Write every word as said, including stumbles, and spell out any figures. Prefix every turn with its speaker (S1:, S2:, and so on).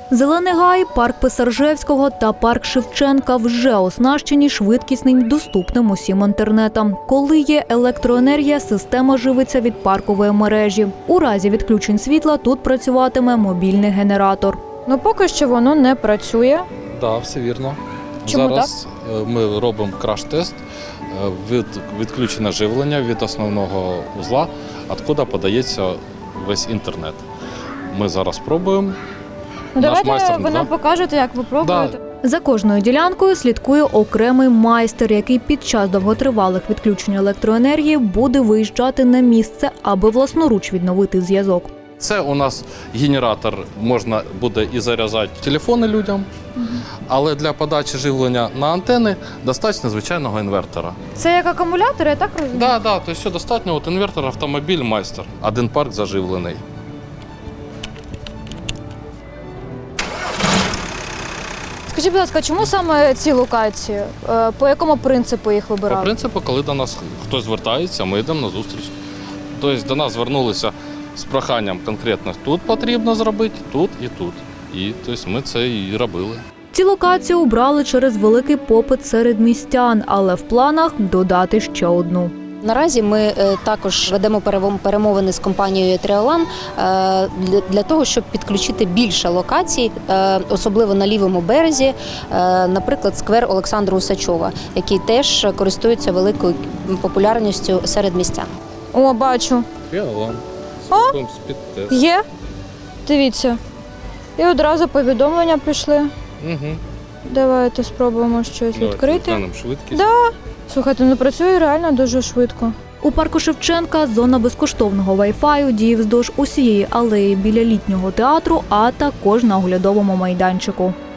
S1: Зелений гай, парк Писаржевського та парк Шевченка вже оснащені швидкісним, доступним усім інтернетом. Коли є електроенергія, система живиться від паркової мережі. У разі відключень світла тут працюватиме мобільний генератор.
S2: Ну поки що воно не працює.
S3: Так, да, все вірно.
S2: Чому
S3: Зараз так? Ми робимо краш-тест від відключення живлення від основного узла, откуда подається весь інтернет. Ми зараз пробуємо.
S2: Ну,
S3: Наш
S2: давайте
S3: майстер,
S2: ви
S3: да?
S2: нам покажете, як ви пробуєте.
S3: Да.
S1: За кожною ділянкою слідкує окремий майстер, який під час довготривалих відключень електроенергії буде виїжджати на місце, аби власноруч відновити зв'язок.
S3: Це у нас генератор, можна буде і заряджати телефони людям, але для подачі живлення на антени достатньо звичайного інвертора.
S2: Це як акумулятор, я так розумію?
S3: Так, да, да, то все достатньо. От інвертор, автомобіль, майстер. Один парк заживлений.
S2: Скажіть, будь ласка, чому саме ці локації? Е, По якому принципу їх
S3: По
S2: вибирали?
S3: принципу, коли до нас хтось звертається, ми йдемо на зустріч. Тобто до нас звернулися з проханням конкретно тут потрібно зробити, тут і тут. І тобто, ми це і робили.
S1: Ці локації обрали через великий попит серед містян, але в планах додати ще одну.
S4: Наразі ми е, також ведемо перевом- перемовини з компанією Тріолан е, для, для того, щоб підключити більше локацій, е, особливо на лівому березі, е, наприклад, сквер Олександра Усачова, який теж користується великою популярністю серед містян.
S2: О, бачу.
S3: Тріолан.
S2: О! Є? Дивіться. І одразу повідомлення пішли.
S3: Угу.
S2: Давайте спробуємо щось відкрити.
S3: швидкість.
S2: Да. Слухайте, ну працює реально дуже швидко.
S1: У парку Шевченка зона безкоштовного вай-фаю діє вздовж усієї алеї біля літнього театру, а також на оглядовому майданчику.